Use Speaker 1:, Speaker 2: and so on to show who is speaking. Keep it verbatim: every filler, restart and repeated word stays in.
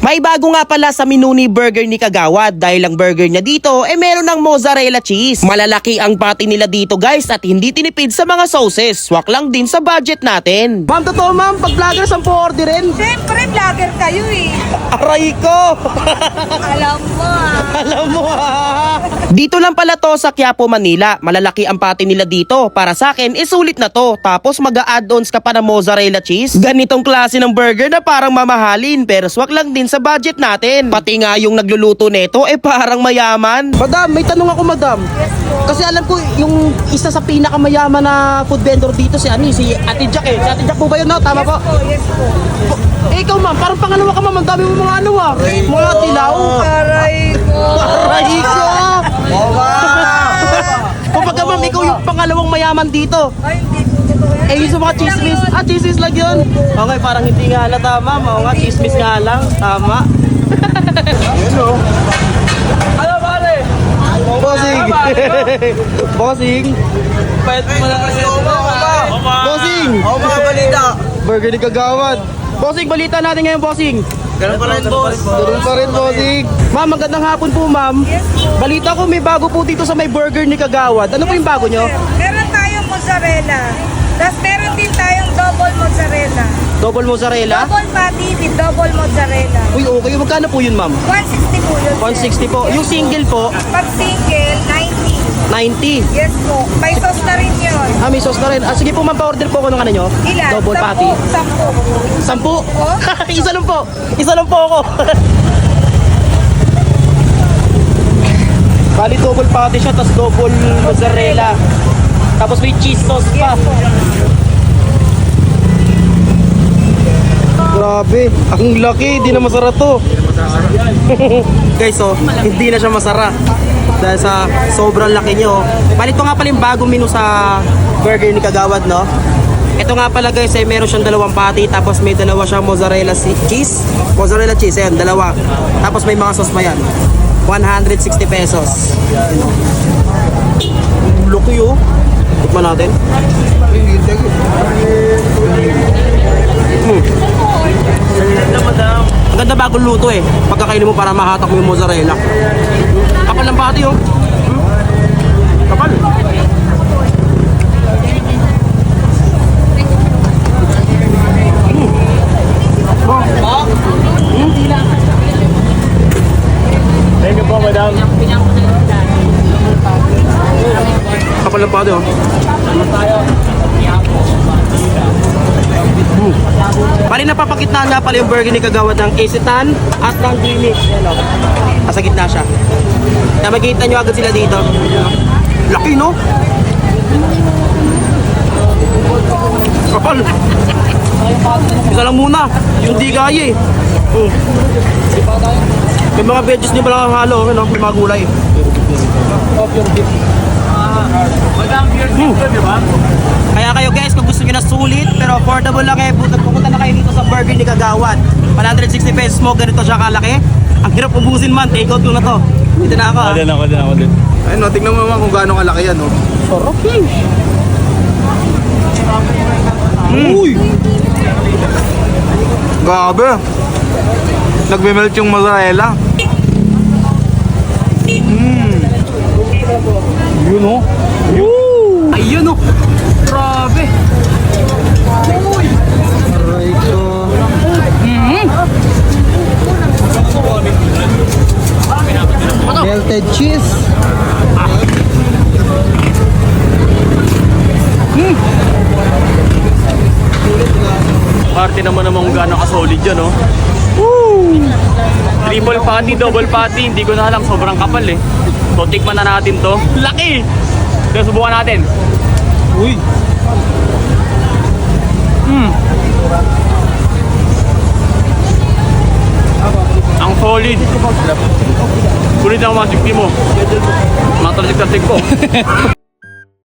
Speaker 1: May bago nga pala sa menu ni burger ni Kagawad dahil ang burger niya dito eh meron ng mozzarella cheese. Malalaki ang patty nila dito guys at hindi tinipid sa mga sauces. Swak lang din sa budget natin. Ma'am, totoo ma'am, pag vlogger sampu orderin.
Speaker 2: Siyempre, vlogger kayo eh.
Speaker 1: Aray ko!
Speaker 2: Alam mo ah.
Speaker 1: Alam mo ah! Dito lang pala to sa Quiapo, Manila. Malalaki ang patty nila dito. Para sa akin, isulit na to. Tapos mag-a-add-ons ka pa ng mozzarella cheese. Ganitong klase ng burger na parang mamahalin pero swak lang din sa budget natin. Pati nga yung nagluluto neto eh parang mayaman. Madam, may tanong ako madam.
Speaker 2: Yes po.
Speaker 1: Kasi alam ko yung isa sa pinakamayaman na food vendor dito si Ani, si Ate Jack eh. Si Ate Jack po ba yun no? Tama po?
Speaker 2: Yes po, yes po.
Speaker 1: Eh ikaw ma'am, parang pangalawa ka ma'am. Ang dami mo mga ano ah. Mga tilaw.
Speaker 2: Aray ko.
Speaker 1: Aray ko! Kumbaga ma'am, ikaw yung pangalawang mayaman dito.
Speaker 2: Ay, hindi po totoo yan.
Speaker 1: Eh yung sa mga chismis, ah chismis lang yun. Okay, parang hindi nga halata ma'am. Oo nga, chismis nga lang. Tama. Ano pare? Bossing! Bossing!
Speaker 3: Pwede mo lang kasi
Speaker 1: Bossing!
Speaker 3: ako mga balita.
Speaker 1: Burger ni Kagawad. Bossing, balita natin ngayon, bossing.
Speaker 3: Ganun pa rin, boss.
Speaker 1: Doon pa rin, bossing. Ma'am, magandang hapon po, ma'am.
Speaker 2: Yes po.
Speaker 1: Balita ko may bago po dito sa may burger ni Kagawad. Ano po yung bago nyo?
Speaker 2: Meron tayong mozzarella. Tapos meron din tayong double mozzarella.
Speaker 1: Double mozzarella?
Speaker 2: Double patty with double mozzarella.
Speaker 1: Uy, okay. Magkano po yun, ma'am?
Speaker 2: one sixty po yun.
Speaker 1: one sixty po. Yung single po,
Speaker 2: Pag single, ninety.
Speaker 1: ninety.
Speaker 2: Yes po. May sauce na rin yun.
Speaker 1: Ah, may sauce na rin. Ah, sige po, ma'am, pa-order po ako ng ano nyo.
Speaker 2: Ilan?
Speaker 1: Double
Speaker 2: Sampu.
Speaker 1: patty.
Speaker 2: Sampu.
Speaker 1: Sampu?
Speaker 2: Oh?
Speaker 1: Isa lang po. Isa lang po ako. Bali, double patty siya, tapos double mozzarella. Tapos may cheese sauce pa.
Speaker 2: Yes po.
Speaker 1: Grabe, ang laki, hindi na masara to. Guys, so, hindi na siya masara. Dahil sa sobrang laki nyo. Palit ko nga pala yung bagong menu sa burger ni Kagawad, no? Ito nga pala guys, ay meron siyang dalawang patty, tapos may dalawa siyang mozzarella si- cheese. Mozzarella cheese, ayan, dalawa. Tapos may mga sauce pa yan. one hundred sixty pesos. Laki oh. Tikman natin. Hmm. Ang ganda bagong luto eh. Pagkakainin mo para mahatak mo yung mozzarella. Kapal ng pati oh. Hmm. Kapal. Hmm. Oh. Hmm.
Speaker 3: Thank you po, madam.
Speaker 1: Kapal ng pati oh. Hmm. Pari napapakitnaan nga pala yung burger ni Kagawad ng Isitan at ng Gimmick. Yan o. Nasa gitna siya. Kaya makikita nyo agad sila dito. Laki no? Kapal. Isa lang muna. Yung di kaya eh. Hmm. May mga veggies niya pala halo. Ano? May mga gulay.
Speaker 3: Madam, beer
Speaker 1: Hmm.
Speaker 3: dito, di ba?
Speaker 1: Kaya kayo guys, kung gusto nyo na sulit pero affordable lang eh, pupunta na kayo dito sa burger ni Kagawad. one hundred sixty pesos mo, ganito siya kalaki. Ang hirap ubusin man, take out ko na to. Dito na ako
Speaker 3: Ako
Speaker 1: ah.
Speaker 3: din, ako din, ako din.
Speaker 4: Ayun, no, tignan mo naman kung gaano kalaki yan, no?
Speaker 1: Sarap eh.
Speaker 4: Uy! Grabe! Nagme-melt yung mozzarella. Mmm!
Speaker 3: Yun, oh.
Speaker 1: Woo! Ayun oh. Grabe. Aray ko. Melted cheese.
Speaker 3: Party naman naman kung gano'ng ka-solid yun, oh. Woo! Triple patty, double patty, hindi ko na alam, sobrang kapal eh. So, tikman na natin to. Laki! So, subukan natin.
Speaker 4: Uy!
Speaker 3: Mm. Ang solid. Kulit ang mga sikti mo. Mga talasik-tasik ko.